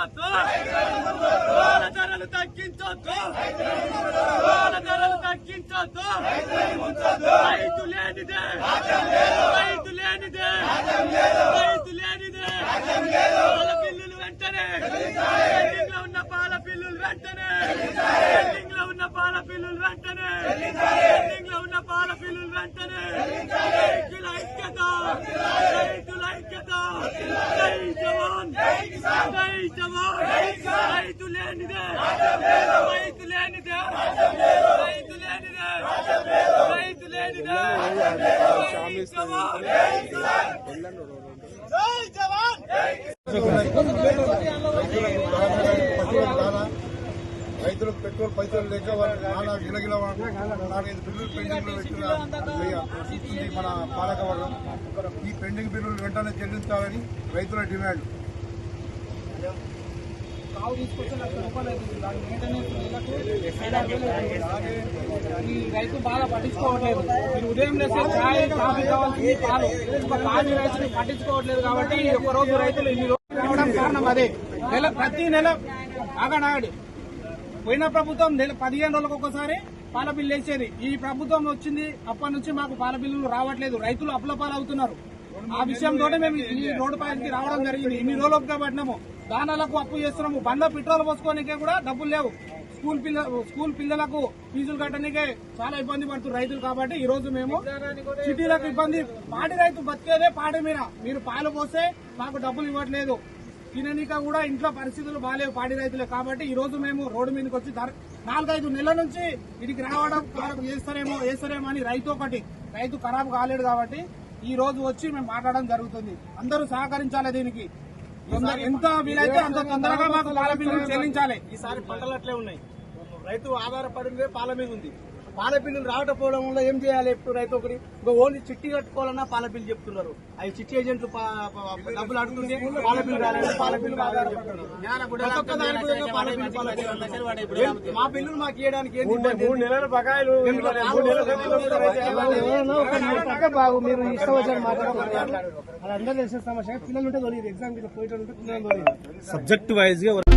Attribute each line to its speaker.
Speaker 1: తగ్గించొద్దు, పాల ధరలు తగ్గించొద్దు, పాల ధరలు తగ్గించొద్దు. రైతు లేనిదే, రైతు లేనిదే, రైతు లేనిదే. పాల బిల్లులు వెంటనే, పెండింగ్ లో ఉన్న పాల బిల్లులు వెంటనే, పెండింగ్ లో ఉన్న పాల బిల్లులు వెంటనే, పెండింగ్ లో ఉన్న పాల బిల్లులు వెంటనే. రైతుల ఐక్యత, రైతుల ఐక్యత. జై జవాన్, జై జవాన్. రైతు లేనిదే, రైతు లేనిదే, రైతు లేనిదే, రైతు లేనిదే. జై జవాన్, జై జవాన్.
Speaker 2: రైతులకు పెట్రోల్ పైసలు లేక నానా గిలగిల 4-5 బిల్లులు పెండింగ్ లో పెట్టిన మన పాలకవర్గం. ఈ పెండింగ్ బిల్లులు వెంటనే చెల్లించాలని రైతుల డిమాండ్.
Speaker 3: ఈ రైతు బాగా పట్టించుకోవట్లేదు. మీరు ఉదయం లేస్తే ఛాయ్ కాఫీ కావాల్సింది పాలు, కాఫీ రైతులు పట్టించుకోవట్లేదు. కాబట్టి ఒక్కరోజు రైతులు ఇన్ని రోజులు రావడం కారణం అదే. ప్రతి నెల ఆగనాడు పోయిన ప్రభుత్వం 15 రోజులకు ఒకసారి పాల బిల్లు వేసేది. ఈ ప్రభుత్వం వచ్చింది అప్పటి నుంచి మాకు పాల బిల్లులు రావట్లేదు. రైతులు అప్పులపాలవుతున్నారు. ఆ విషయంతో మేము ఈ రోడ్డు పైకి రావడం జరిగింది. ఇన్ని రోజులు ఒప్పుకోబట్టినాము. దానాలకు అప్పు చేస్తున్నాము. బండ్లో పెట్రోల్ పోసుకోనికే కూడా డబ్బులు లేవు. స్కూల్ పిల్లలకు ఫీజులు కట్టడానికే చాలా ఇబ్బంది పడుతున్నారు రైతులు. కాబట్టి ఈ రోజు మేము సిటీలకు ఇబ్బంది. పాడి రైతు బతికేదే పాడి మీద. మీరు పాలు పోస్తే మాకు డబ్బులు ఇవ్వట్లేదు. తిననీక కూడా ఇంట్లో పరిస్థితులు బాగాలేవు పాడి రైతులే. కాబట్టి ఈ రోజు మేము రోడ్డు మీదకి వచ్చి 4-5 నెలల నుంచి ఇడికి రావడం వేస్తారేమో అని రైతు ఖరాబ్ కాలేడు. కాబట్టి ఈ రోజు వచ్చి మేము మాట్లాడడం జరుగుతుంది. అందరూ సహకరించాలి. దీనికి ఎంత వీలైతే అంత తొందరగా మాకు పాల బిల్లులు చెల్లించాలి.
Speaker 4: ఈసారి పంటలు అట్లే ఉన్నాయి. రైతు ఆధారపడిందే పాల మీద ఉంది. పాల బిల్లులు రావకపోవడం వల్ల ఏం చేయాలి? ఇప్పుడు రైతు ఒకటి ఓన్లీ చిట్టి కట్టుకోవాలన్నా పాల బిల్లు చెప్తున్నారు. అవి చిట్టి ఏజెంట్లు డబ్బులు అడుగుతుంటే పాల బిల్లు రాలేదు, పాల బిల్లు రాదని చెప్తున్నారు. మా బిల్లులు మాకు ఇవ్వడానికి
Speaker 3: బాగు మీరు ఇష్టం వచ్చారు మాట్లాడుతున్నారు. అది అందరూ తెలిసిన సమస్య. పిల్లలు ఉంటే ఎగ్జామ్ పోయేటప్పుడు పిల్లలు
Speaker 5: సబ్జెక్ట్ వైజ్ గా